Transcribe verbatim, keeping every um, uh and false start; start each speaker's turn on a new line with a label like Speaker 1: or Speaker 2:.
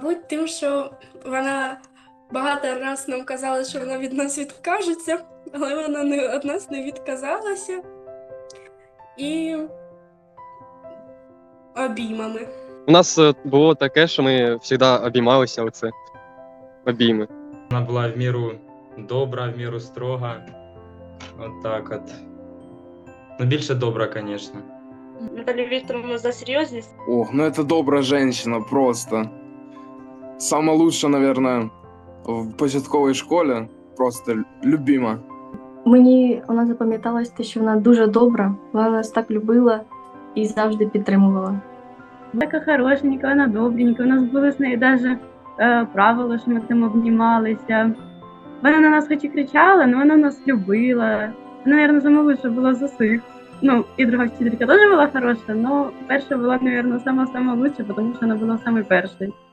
Speaker 1: Мабуть, тим, що вона багато раз нам казала, що вона від нас відкажеться, але вона не від нас не відказалася. І обіймами.
Speaker 2: У нас е, було таке, що ми завжди обіймалися оце обійми.
Speaker 3: Вона була в міру добра, в міру строга. От так от. Ну, більше добра, звісно.
Speaker 4: Наталью Викторовну за серьезность.
Speaker 5: Ох, ну это добрая женщина, просто. Самая лучшая, наверное, в початковій школі. Просто любима.
Speaker 6: Мені вона запам'яталась те, що вона дуже добра, вона нас так любила і завжди підтримувала.
Speaker 7: Така хорошенька, вона добренька. У нас були з нею навіть е, правила, що ми там обнімалися. Вона на нас хоч і кричала, але вона нас любила. Вона, мабуть, сама лучша була з усіх. Ну, і друга вчителька теж була хороша, але перша була, мабуть, сама-сама лучша, тому що вона була саме першою.